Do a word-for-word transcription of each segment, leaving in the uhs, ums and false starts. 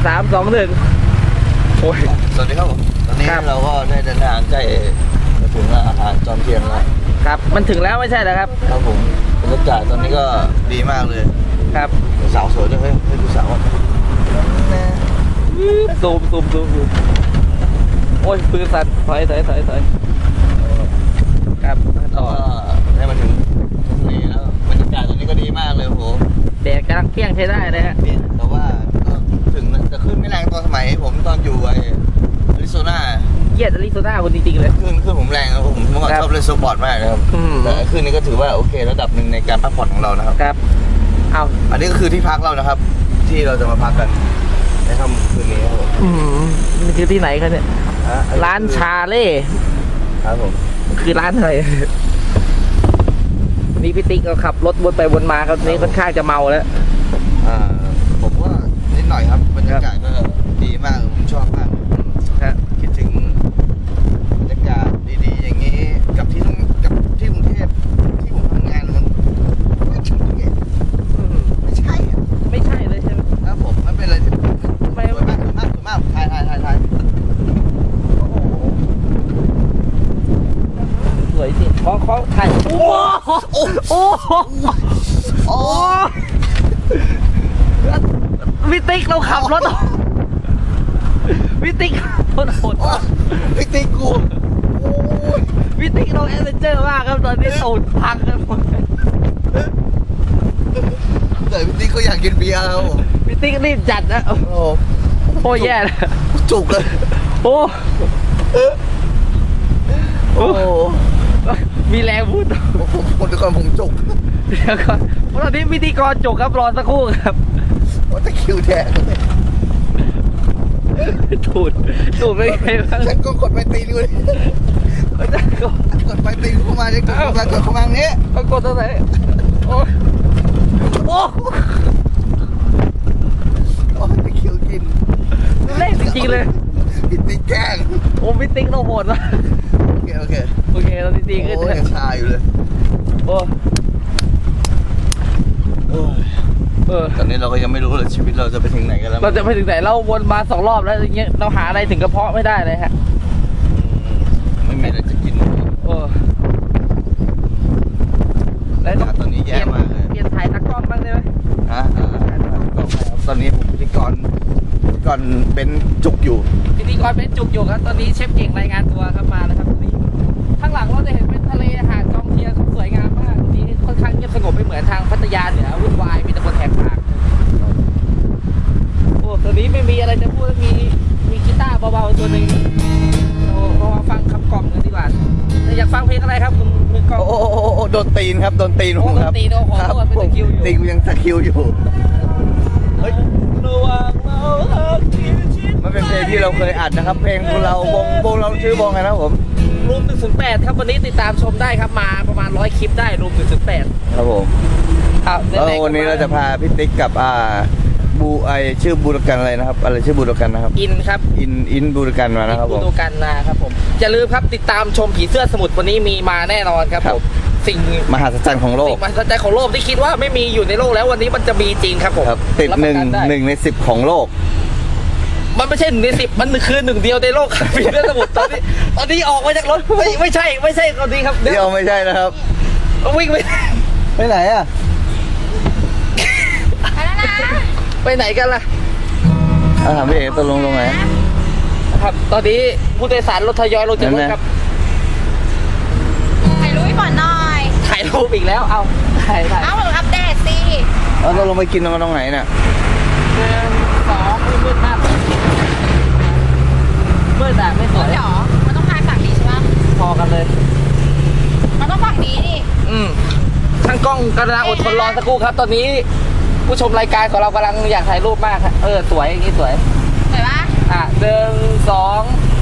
สามสองหนึ่งโอ้ยสวัสดีครับผมตอนนี้เราก็ได้เดินทางใกล้ถึงอาหารจอมเทียนแล้วครับมันถึงแล้วไม่ใช่เหรอครับครับผมบรรยากาศตอนนี้ก็ดีมากเลยครับสาวสวยด้วยเฮ้ยให้ดูสาวซูมซูมซูมซูมโอ้ยปืนสั่นถอยถอยถอยถอยครับต่อได้มาถึงนี่แล้วบรรยากาศตอนนี้ก็ดีมากเลยโหแดดกำลังเที่ยงใช้ได้เลยฮะแต่ว่าก็ถึงจะขึ้นไม่แรงตอนสมัยผมตอนอยู่ไออาริโซนาเกียดอาริโซนาคนจริงๆเลยขึ้นขึ้นผมแรงครับผมเมื่อก่อนชอบเล่นสปอร์ตมากนะครับแต่ขึ้นนี้ก็ถือว่าโอเคระดับหนึ่งในการพักผ่อนของเรานะครับครับเอาอันนี้ก็คือที่พักเรานะครับที่เราจะมาพักกันในค่ำคืนนี้ครับผมอืมมันคือที่ไหนครับเนี่ยร้านชาเล่ครับผมคือร้านอะไรนี่พี่ติ๊กเขาขับรถวนไปวนมาครับนี้ค่อนข้างจะเมาแล้วอ่าผมว่านิดหน่อยครับบรรยากาศก็ดีมากผมชอบมากครับคิดถึงบรรยากาศดีๆอย่างนี้กับที่กับที่กรุงเทพที่ผมทำงานมันไม่ใช่ไม่ใช่ไม่ใช่เลยใช่ไหมครับผมมันเป็นอะไรที่สวยมากสวยมากสวยมากถ่ายถ่ายถ่ายถ่ายสวยสิขอขอถ่ายโอ้โอ้โอ้โอ้วิติกเราขับรถวิติกโคตรโหดวิติกกูวิติกเราแอดเวนเจอร์มากครับตอนนี้ตูดพังกันหมดแต่วิติกเขาอยากกินเบียร์ครับวิติกรีบจัดนะโอ้โหแย่เลยจุกเลยโอ้โอ้มีแรงพูดผมคนก่อนผมจุกเดี๋ยวก่อนตอนนี้พิธีกรจุกครับรอสักครู่ครับว่าจะคิวแทนถูดถูดไปไงบ้างฉันก็กดไปตีด้วยกดไปตีเข้ามาจะกดมากดเข้ามาเนี้ยก็กดตรงไหนโอ้โอ้โอ้จะคิวกินเล่นจริงๆเลยพิติกแกล้งโอ้พิติกเราโหดมากโอเคโอเคโอเคเราจริงๆขึ้นเลยชาอยู่เลยโอ้เออตอนนี้เราก็ยังไม่รู้เลยชีวิตเราจะไปถึงไหนกันแล้วเราจะไปถึงไหนเราวนมาสองรอบแล้วอย่างเงี้ยเราหาอะไรถึงกระเพาะไม่ได้เลยฮะไม่มีอะไรจะกินโอ้แล้วตอนนี้แย่มากเลยเปลี่ยนถ่ายตากล้องบ้างได้ไหมฮะตอนนี้ผมพิธีกรพิธีกรเป็นจุกอยู่พิธีกรเป็นจุกอยู่ครับตอนนี้เชฟเก่งรายงานตัวครับมาแล้วครับตอนนี้ข้างหลังเราจะเห็นเป็นทะเลหาดจอมเทียนสวยงามมากทีนี้ค่อนข้างเงียบสงบไม่เหมือนทางพัทยาเหนือวุ่นวายมีแต่คนแหกปากโอ้ตอนนี้ไม่มีอะไรจะพูดมีมีกีตาร์เบาๆตัวหนึ่งเรามาฟังคำกล่อมกันดีกว่าอยากฟังเพลงอะไรครับคุณมือกล่อมโอ้โหโดนตีนครับโดนตีนผมครับโดนตีนโอ้โหเป็นตะคิวอยู่ตีนยังตะคิวอยู่มันเป็นเพลงที่เราเคยอัดนะครับเพลงของเราวงวงเราชื่อวงไงนะผมรูมหนึ่งถึงแปดครับวันนี้ติดตามชมได้ครับมาประมาณร้อยคลิปได้รูมหนึ่งถึงแปดครับผมครับแล้ววันนี้เราจะพาพี่ติ๊กกับอ่าบูไอชื่อบูรกันอะไรนะครับอะไรชื่อบูรกันนะครับอินครับอินอินบูรกันมานะครับผมบูรกันนะครับผมอย่าลืมครับติดตามชมผีเสื้อสมุทรวันนี้มีมาแน่นอนครับผมสิ่งมหัศจรรย์ของโลกสิ่งมหัศจรรย์ของโลกที่คิดว่าไม่มีอยู่ในโลกแล้ววันนี้มันจะมีจริงครับผมติดหนึ่งหนึ่งในสิบของโลกมันไม่ใช่หนึ่งในสิบมันคือหนึ่งเดียวในโลกครับผีเสื้อสมุทรตอนนี้ตอนนี้ออกมาจากรถไม่ไม่ใช่ไม่ใช่ตอนนี้ครับเดียวไม่ใช่นะครับวิ่งไปไปไหนอ่ะไปไหนกันล่ะถามพี่เอ๋ตกลงลงไหนครับตอนนี้ผู้โดยสารรถทยอยลงจากรถครับถ่ายรูปให้ก่อนหน่อยถ่ายรูปอีกแล้วเอาถ่ายถ่ายเอาอัปเดตสิเราตกลงไปกินกันตรงไหนเนี่ยหนึ่งสองมืดมากมืดแบบไม่สวยหรอมันต้องถ่ายฝั่งนี้ใช่ไหมพอกันเลยมันต้องฝั่งนี้นี่อืมช่างกล้องกำลังอดทนรอสักครู่ครับตอนนี้ผู้ชมรายการของเรากำลังอยากถ่ายรูปมากครับเออสวยอย่างนี้สวยสวยปะอ่ะหนึ่งสอง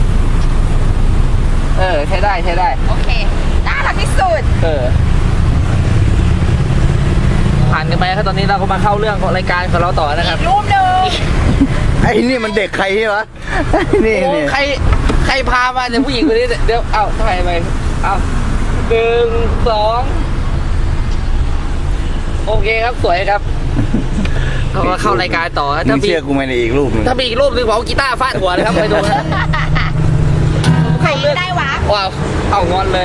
เออใช้ได้ใช้ได้โอเคน่ารักที่สุดเออผ่านกันไปครับตอนนี้เราก็มาเข้าเรื่องของรายการของเราต่อนะครับรูปหนึ่งไอ้นี่มันเด็กใครวะนี่นี่ใครใครพามาเดี๋ยวผู้หญิงคนนี้เดี๋ยวเอ้าถ่ายไปเอ้าหนึ่งสองโอเคครับสวยครับเอามาเข้ารายการต่อฮะมึถ้าง มีเชื่อกูไหมในอีกรูปหนึงถ้ามีอีกรูปหนึงผมเอากีตาร์ฟาดหัวเลยครับไปดูนะใครได้วะว้าวเอางอนเลย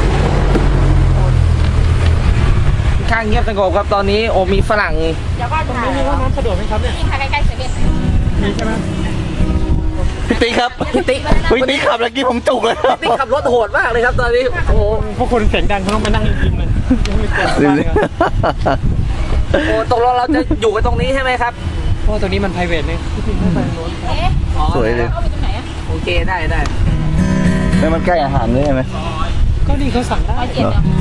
ข้างเงียบสงบครับตอนนี้โอ้มีฝรั่งเดี๋ยวก่อนค่ะมีห้องน้ำสะดวกไหมครับเนี่ยนี่ค่ะใกล้ๆเซเว่นมีใช่ไหมพี่ติ๊กครับพี่ติ๊กพี่ติ๊กขับแล้วกี้ผมจุกเลยพี่ติ๊กขับรถโหดมากเลยครับตอนนี้โอ้โหพวกคนเสียงดังเขาต้องมานั่งริมๆเลยยังไม่เกินบ้านเลยครับโอ้โหตกลงเราจะอยู่กันตรงนี้ใช่ไหมครับเพราะว่าตรงนี้มัน private เนี่ยที่ทิ้งไม่ไปโน้นเอ๊ะอ๋อสวยเลยเอาไปตรงไหนอะโอเคได้ได้แล้วมันใกล้อาหารด้วยใช่ไหมก็นี่เขาสั่งได้ร้อยเจ็ดเนาะ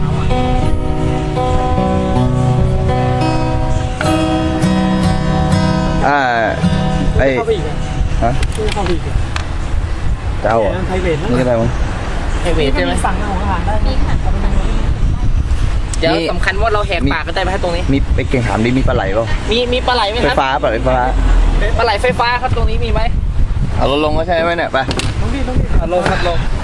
อ่าไอ้เข้าไปอีกอะฮะช่วยเข้าไปอีกอะเจ้าเหรอมัน private นะนี่ก็ได้มั้งไฮเวทใช่ไหมสั่งของอาหารได้นี่ค่ะเดี๋ยวมีสำคัญว่าเราแหกปากกันได้ไหมตรงนี้มีไปเก่งถามดิมีปลาไหลเปล่ามีมีปลาไหลไหมไฟครับฟ้าปลาไหลไฟฟ้าปลาไหลไฟฟ้าครับตรงนี้มีไหมเอารถลงก็ใช่ไหมเนี่ยไปต้องรีบต้องรีบอ่ะลงครับลง